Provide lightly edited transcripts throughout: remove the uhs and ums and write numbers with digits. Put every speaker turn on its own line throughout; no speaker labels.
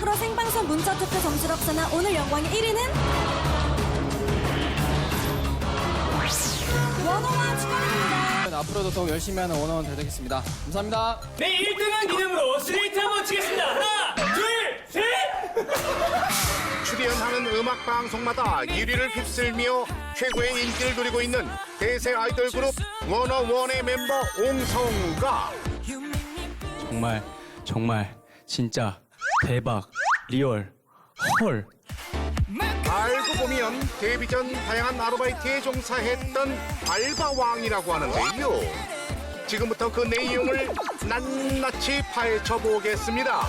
앞으로 생방송 문자 투표 점수를 합산한 오늘 영광의 1위는 원어원 축하드립니다.
앞으로도 더욱 열심히 하는 원어원 되겠습니다. 감사합니다.
네, 1등한 기념으로 스트레이트 한번 치겠습니다. 하나, 둘, 셋!
출연하는 음악 방송마다 1위를 휩쓸며 최고의 인기를 누리고 있는 대세 아이돌 그룹 워너원의 멤버 옹성우가
정말 진짜 대박 리얼 헐.
알고 보면 데뷔 전 다양한 아르바이트에 종사했던 알바왕이라고 하는데요. 지금부터 그 내용을 낱낱이 파헤쳐 보겠습니다.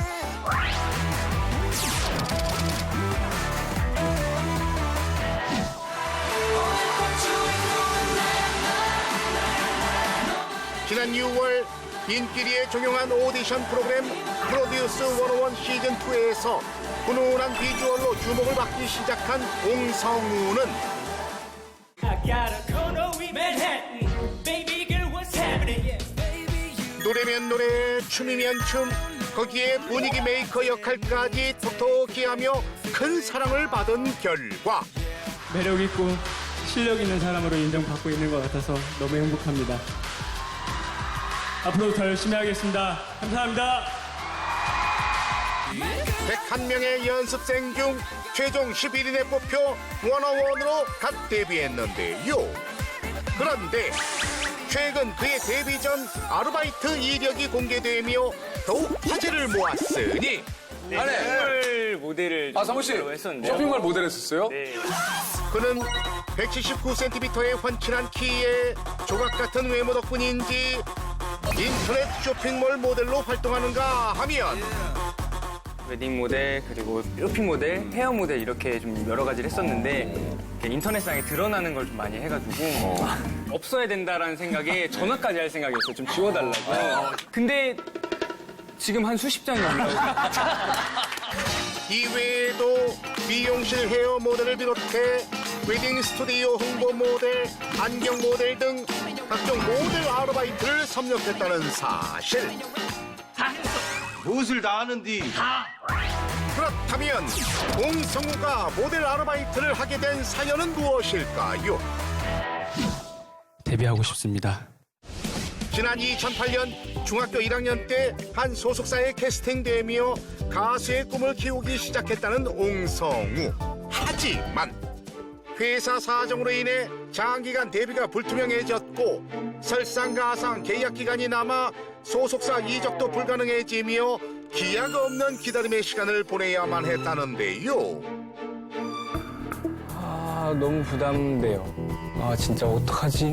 지난 6월 인기리에 종영한 오디션 프로그램 프로듀스 101 시즌2에서 훈훈한 비주얼로 주목을 받기 시작한 옹성우는
I got a condo in Manhattan. Baby girl, what's happening?
노래면 노래, 춤이면 춤, 거기에 분위기 메이커 역할까지 톡톡히 하며 큰 사랑을 받은 결과
매력 있고 실력 있는 사람으로 인정받고 있는 것 같아서 너무 행복합니다. 앞으로 더 열심히 하겠습니다. 감사합니다.
101명의 연습생 중 최종 11인에 뽑혀 워너원으로 갓 데뷔했는데요. 그런데 최근 그의 데뷔 전 아르바이트 이력이 공개되며 더욱 화제를 모았으니
쇼핑몰 모델을
성우 씨,
했었는데요.
쇼핑몰 모델 했었어요?
네.
그는 179cm의 훤칠한 키에 조각 같은 외모 덕분인지 인터넷 쇼핑몰 모델로 활동하는가 하면
웨딩 모델 그리고 쇼핑 모델, 헤어 모델 이렇게 좀 여러 가지를 했었는데 이렇게 인터넷상에 드러나는 걸 좀 많이 해가지고 없어야 된다라는 생각에 전화까지 할 생각이었어요. 좀 지워달라고. 근데 지금 한 수십 장이 올라오고
이외에도 미용실 헤어 모델을 비롯해 웨딩 스튜디오 홍보 모델, 안경 모델 등 각종 모델 아르바이트를 섭렵했다는 사실.
무엇을 다 하는디?
그렇다면 옹성우가 모델 아르바이트를 하게 된 사연은 무엇일까요?
데뷔하고 싶습니다.
지난 2008년 중학교 1학년 때 한 소속사에 캐스팅되며 가수의 꿈을 키우기 시작했다는 옹성우. 하지만 회사 사정으로 인해 장기간 데뷔가 불투명해졌고 설상가상 계약 기간이 남아 소속사 이적도 불가능해지며 기약 없는 기다림의 시간을 보내야만 했다는데요.
아 너무 부담돼요. 아 진짜 어떡하지?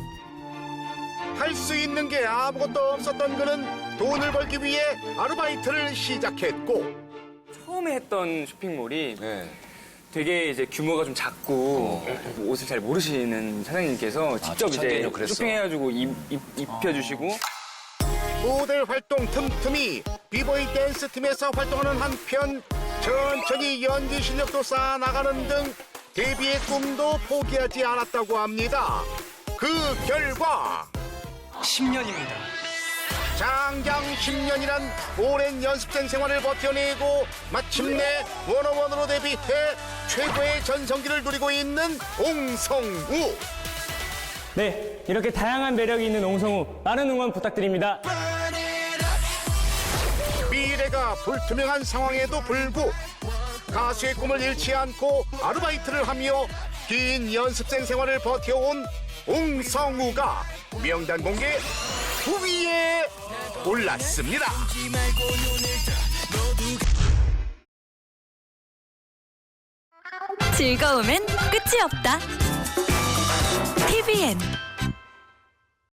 할 수 있는 게 아무것도 없었던 그는 돈을 벌기 위해 아르바이트를 시작했고
처음에 했던 쇼핑몰이 되게 이제 규모가 좀 작고 옷을 잘 모르시는 사장님께서 직접 이제 쇼핑해가지고 입혀주시고
모델 활동 틈틈이 비보이 댄스 팀에서 활동하는 한편 천천히 연기 실력도 쌓아나가는 등 데뷔의 꿈도 포기하지 않았다고 합니다. 그 결과
10년입니다.
장장 10년이란 오랜 연습생 생활을 버텨내고 마침내 워너원으로 데뷔해 최고의 전성기를 누리고 있는 옹성우.
네, 이렇게 다양한 매력이 있는 옹성우 많은 응원 부탁드립니다.
미래가 불투명한 상황에도 불구 가수의 꿈을 잃지 않고 아르바이트를 하며 긴 연습생 생활을 버텨온 옹성우가 명단 공개 9위에 올랐습니다.
즐거움엔 끝이 없다. TVN